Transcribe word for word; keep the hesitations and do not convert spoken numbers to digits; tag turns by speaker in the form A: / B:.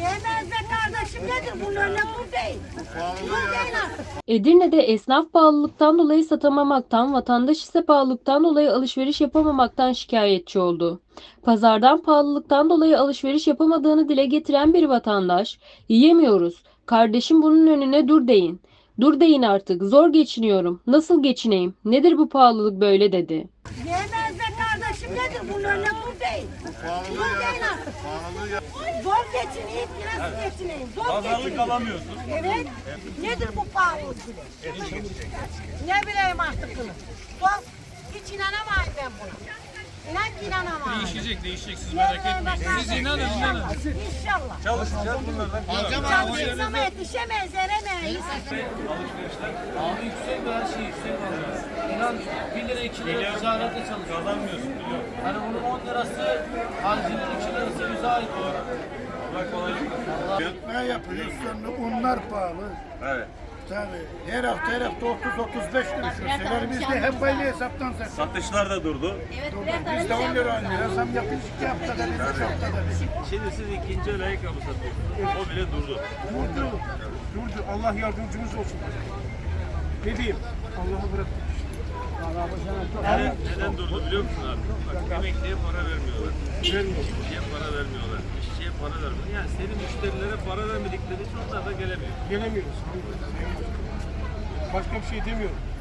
A: Yemez be kardeşim, nedir bunun önüne bu değil. Bu değil artık.
B: Edirne'de esnaf pahalılıktan dolayı satamamaktan, vatandaş ise pahalılıktan dolayı alışveriş yapamamaktan şikayetçi oldu. Pazardan pahalılıktan dolayı alışveriş yapamadığını dile getiren bir vatandaş, "Yiyemiyoruz. Kardeşim bunun önüne dur deyin. Dur deyin artık. Zor geçiniyorum. Nasıl geçineyim? Nedir bu pahalılık böyle?" dedi.
A: Yemez be kardeşim, nedir bunun önüne bu değil. Bu değil artık. Zor geçineyim, nasıl geçineyim? Zor
C: Pazarlık
A: geçineyim.
C: alamıyorsun.
A: Evet. Nedir bu pahalılık? Ne bileyim artık bunu. Zor. Hiç inanamayım ben buna. İnan ki inanamayım.
C: Değişecek, değişecek. Siz merak etmeyin. Siz inanın, inanın.
A: İnşallah.
C: Çalışacağız bunlardan.
A: Çalışırız ama yetişemeyiz, eremeyiz.
C: Alışverişler
D: Abi yüksek her şey yüksek alıyor. İnan bir lira iki lira ticarette çalışıyor.
C: kazanmıyorsun biliyorum.
D: Hani bunun on lirası harcının iki lirası bize ait.
C: Allah kolaylık versin.
E: Yatmaya yapıyoruz sonra unlar pahalı.
C: Evet.
E: Tabii. Her hafta her hafta otuz otuz beş kuruş verseler biz de hep aynı hesaptan satıyoruz.
C: Satışlar da durdu.
E: Biz de on lira on lira zam yapıyoruz iki haftada bir, üç haftada bir.
C: Şimdi siz ikinci el ayakkabı satıyorsunuz. O bile durdu.
E: Durdu. Durdu. Allah yardımcımız olsun. Ne diyeyim? Allah'ı bıraktık işte.
C: Neden, neden durdu biliyor musun abi? Bak emekliye para vermiyorlar.
E: Vermiyor.
C: İşçiye para vermiyorlar. İşçiye para vermiyorlar. Yani senin müşterilere para vermedikleri için onlar da gelemiyor.
E: Gelemiyoruz. Başka bir şey demiyorum.